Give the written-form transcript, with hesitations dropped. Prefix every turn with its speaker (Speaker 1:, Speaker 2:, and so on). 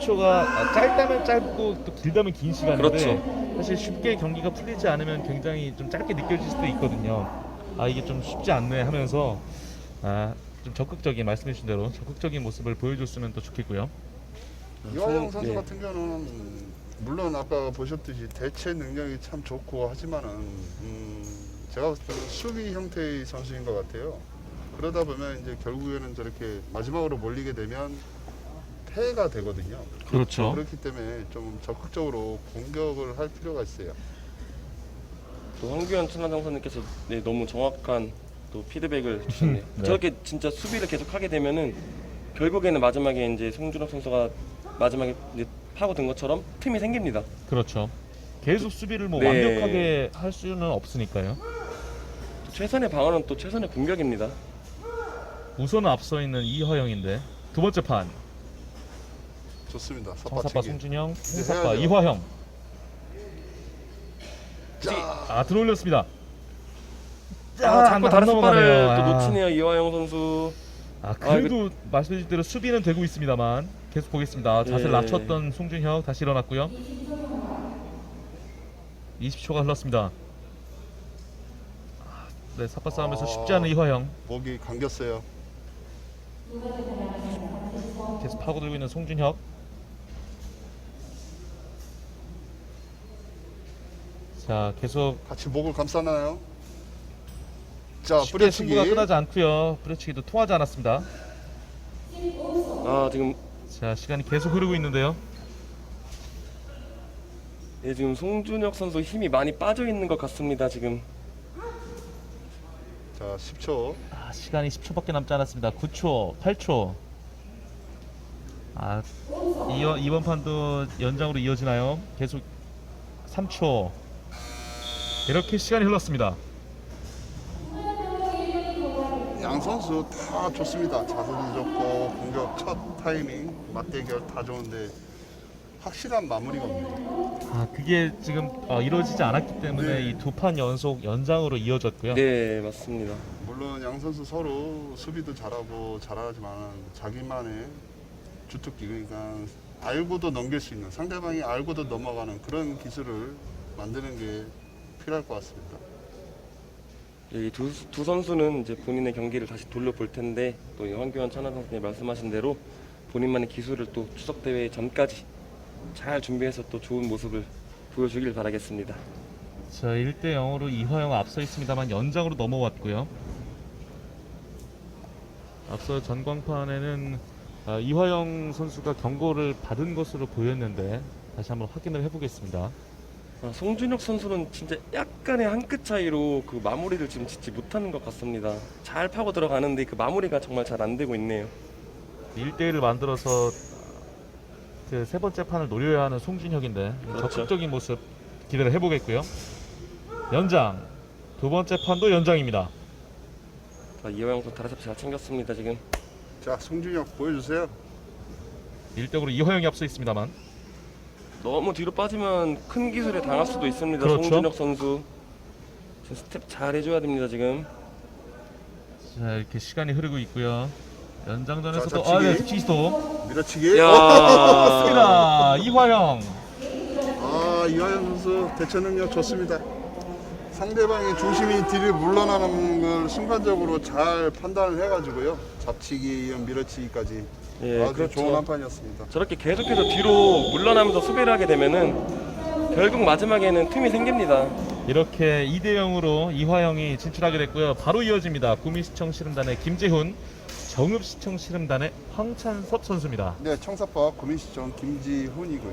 Speaker 1: 20초가 짧다면 짧고 또 길다면 긴 시간인데
Speaker 2: 그렇죠.
Speaker 1: 사실 쉽게 경기가 풀리지 않으면 굉장히 좀 짧게 느껴질 수도 있거든요. 아 이게 좀 쉽지 않네 하면서 좀 적극적인 말씀해 주신 대로 적극적인 모습을 보여줬으면 또 좋겠고요.
Speaker 3: 이화영 선수
Speaker 2: 네.
Speaker 3: 같은 경우는 물론 아까 보셨듯이 대체 능력이 참 좋고 하지만은 제가 봤을 때는 수비 형태의 선수인 것 같아요. 그러다 보면 이제 결국에는 저렇게 마지막으로 몰리게 되면 패가 되거든요.
Speaker 1: 그렇죠.
Speaker 3: 그렇기 때문에 좀 적극적으로 공격을 할 필요가 있어요.
Speaker 2: 또 황규현 천하장 선수님께서 네, 너무 정확한 또 피드백을 주셨네요.
Speaker 1: 네.
Speaker 2: 저렇게 진짜 수비를 계속 하게 되면은 결국에는 마지막에 이제 송준혁 선수가 마지막에 이제 파고든 것처럼 틈이 생깁니다.
Speaker 1: 그렇죠. 계속 수비를 뭐
Speaker 2: 네.
Speaker 1: 완벽하게 할 수는 없으니까요.
Speaker 2: 또 최선의 방어는 또 최선의 공격입니다.
Speaker 1: 우선 앞서 있는 이화영인데 두 번째 판
Speaker 3: 좋습니다.
Speaker 1: 청사파
Speaker 3: 삿바치기.
Speaker 1: 송준영,
Speaker 3: 이제
Speaker 1: 홍사파
Speaker 3: 해야죠.
Speaker 1: 이화영.
Speaker 3: 자,
Speaker 1: 들어올렸습니다.
Speaker 2: 자꾸 다른
Speaker 1: 넘어가네요.
Speaker 2: 스파를 또 놓치네요. 이화영 선수.
Speaker 1: 그래도 말씀해주신 대로 수비는 되고 있습니다만 계속 보겠습니다. 자세를
Speaker 2: 예.
Speaker 1: 낮췄던 송준혁 다시 일어났고요. 20초가 흘렀습니다. 네, 삿바 싸움에서 쉽지 않은 이화영.
Speaker 3: 목이 감겼어요.
Speaker 1: 계속 파고들고 있는 송준혁. 자, 계속
Speaker 3: 같이 목을 감싸나요? 자,
Speaker 1: 쉽게
Speaker 3: 뿌려치기.
Speaker 1: 승부가 끝나지 않고요. 뿌려치기도 통하지 않았습니다.
Speaker 2: 지금
Speaker 1: 자, 시간이 계속 흐르고 있는데요.
Speaker 2: 지금 송준혁 선수 힘이 많이 빠져 있는 것 같습니다. 지금
Speaker 3: 자, 10초.
Speaker 1: 시간이 10초밖에 남지 않았습니다. 9초, 8초. 이번 판도 연장으로 이어지나요? 계속 3초. 이렇게 시간이 흘렀습니다.
Speaker 3: 양 선수 다 좋습니다. 자세도 좋고 공격 첫 타이밍, 맞대결 다 좋은데 확실한 마무리가 없네요.
Speaker 1: 그게 지금 이루어지지 않았기 때문에
Speaker 3: 네.
Speaker 1: 이 두 판 연속 연장으로 이어졌고요.
Speaker 2: 네 맞습니다.
Speaker 3: 물론 양 선수 서로 수비도 잘하고 잘하지만 자기만의 주특기, 그러니까 알고도 넘길 수 있는, 상대방이 알고도 넘어가는 그런 기술을 만드는 게 필요할 것 같습니다.
Speaker 2: 이 두 선수는 이제 본인의 경기를 다시 돌려볼 텐데 또 이 황교안 천하 선수님 말씀하신 대로 본인만의 기술을 또 추석 대회 전까지 잘 준비해서 또 좋은 모습을 보여주길 바라겠습니다.
Speaker 1: 자, 1대 0으로 이화영 앞서 있습니다만 연장으로 넘어왔고요. 앞서 전광판에는 이화영 선수가 경고를 받은 것으로 보였는데 다시 한번 확인을 해보겠습니다.
Speaker 2: 송준혁 선수는 진짜 약간의 한 끗 차이로 그 마무리를 지금 짓지 못하는 것 같습니다. 잘 파고 들어가는데 그 마무리가 정말 잘 안 되고 있네요.
Speaker 1: 1대1을 만들어서 그 세 번째 판을 노려야 하는 송준혁인데
Speaker 2: 그렇죠.
Speaker 1: 적극적인 모습 기대를 해보겠고요. 연장 두 번째 판도 연장입니다.
Speaker 2: 이화영 선수 다리 잡 잘 챙겼습니다 지금.
Speaker 3: 자, 송준혁 보여주세요.
Speaker 1: 1대0으로 이화영이 앞서 있습니다만
Speaker 2: 너무 뒤로 빠지면 큰 기술에 당할 수도 있습니다.
Speaker 1: 그렇죠.
Speaker 2: 송준혁 선수 지금 스텝 잘 해줘야 됩니다 지금.
Speaker 1: 자, 이렇게 시간이 흐르고 있고요. 연장전에서도
Speaker 3: 자, 잡치기.
Speaker 1: 치기스도
Speaker 3: 밀어치기.
Speaker 2: 야.
Speaker 1: 맞습니다. 이화영.
Speaker 3: 이화영 선수 대처 능력 좋습니다. 상대방의 중심이 뒤를 물러나는 걸 순간적으로 잘 판단을 해가지고요. 잡치기, 밀어치기까지
Speaker 2: 예,
Speaker 3: 아주
Speaker 2: 그렇죠.
Speaker 3: 좋은 한 판이었습니다.
Speaker 2: 저렇게 계속해서 뒤로 물러나면서 수비를 하게 되면은 결국 마지막에는 틈이 생깁니다.
Speaker 1: 이렇게 2대0으로 이화영이 진출하게 됐고요. 바로 이어집니다. 구미시청 씨름단의 김재훈, 정읍시청 씨름단의 황찬섭 선수입니다.
Speaker 3: 네, 청사파 구민시청 김지훈이고요.